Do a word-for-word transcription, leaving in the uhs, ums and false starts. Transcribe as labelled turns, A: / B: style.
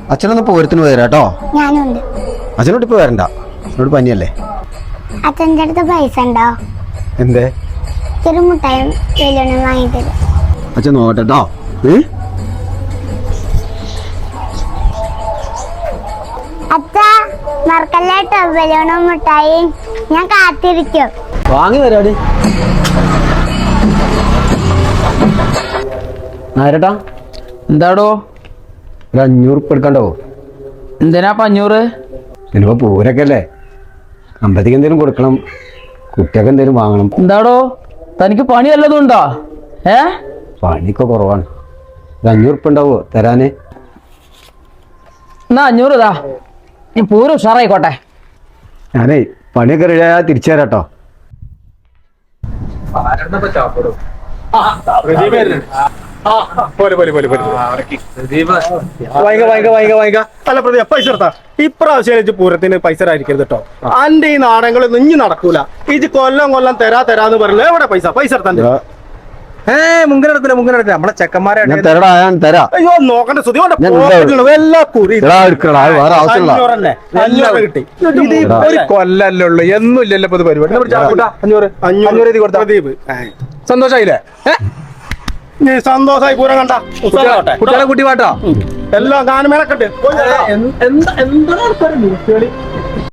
A: അച്ഛനൊന്ന് പോരത്തിന് പോരാട്ടോ.
B: ഞാനുണ്ട്.
A: അച്ഛനോട് ഇപ്പൊ വരണ്ട, അച്ഛനോട് പനിയല്ലേ.
B: അച്ഛൻ്റെ അടുത്ത് പൈസ ഉണ്ടോ?
A: എന്തേ?
B: ചെറു മുട്ടായും വെല്ലുവിനും വാങ്ങിത്തരും.
A: അച്ഛൻ നോക്കട്ടോ.
B: അച്ഛ മറക്കല്ലേട്ടോ വെല്ലുവിനും മുട്ടായി. ഞാൻ കാത്തിരിക്കും.
A: വാങ്ങി തരാടി. നേരട്ടാ
C: എന്താടോ?
A: ഒരു അഞ്ഞൂറ് ഉപ്പ് എടുക്കണ്ടോ?
C: എന്തിനാ അഞ്ഞൂറ്?
A: ഇനിയിപ്പോ പൂരൊക്കെ അല്ലേ, അമ്പതിക്ക് എന്തേലും കൊടുക്കണം, കുട്ടിയൊക്കെ എന്തേലും വാങ്ങണം.
C: എന്താടോ തനിക്ക് പണി വല്ലതും ഉണ്ടോ? ഏ
A: പണിയൊക്കെ കുറവാണ്. ഒരു അഞ്ഞൂറ് ഉപ്പ് ഉണ്ടാവോ തരാന്?
C: എന്നാ അഞ്ഞൂറ് ഇതാ, നീ പൂരം ഉഷാറായിക്കോട്ടെ.
A: ഞാനേ പണിയൊക്കെ റെഡിയാ തിരിച്ചു തരാട്ടോ.
D: ഇപ്രാവശ്യം പൂരത്തിന് പൈസ ആയിരിക്കരുത് കേട്ടോ. അന്റെ ഈ നാടകങ്ങൾ ഇഞ്ഞി നടക്കൂല. ഈ കൊല്ലം കൊല്ലം തരാ തരാന്ന് പറഞ്ഞില്ല. എവിടെ പൈസ പൈസ എടുത്താൻ? ഏ മുങ്ങനെടുക്കില്ല മുങ്ങനെടുക്കില്ല നമ്മളെ ചെക്കന്മാരെ. അയ്യോ നോക്കണ്ട സുതി എല്ലാ കുറി കിട്ടി. ഒരു കൊല്ലല്ലേ ഉള്ളു, എന്നും ഇല്ലല്ലോ ഇപ്പൊ പരിപാടി. അഞ്ഞൂറ് അഞ്ഞൂറ് എഴുതി കൊടുത്ത പ്രദീപ് സന്തോഷായില്ലേ? സന്തോഷമായി പൂരം കണ്ട കുട്ടികളെ കുട്ടി പാട്ടോ എല്ലാം ഗാനമേളൊക്കെ ഉണ്ട്. എന്താ എന്താ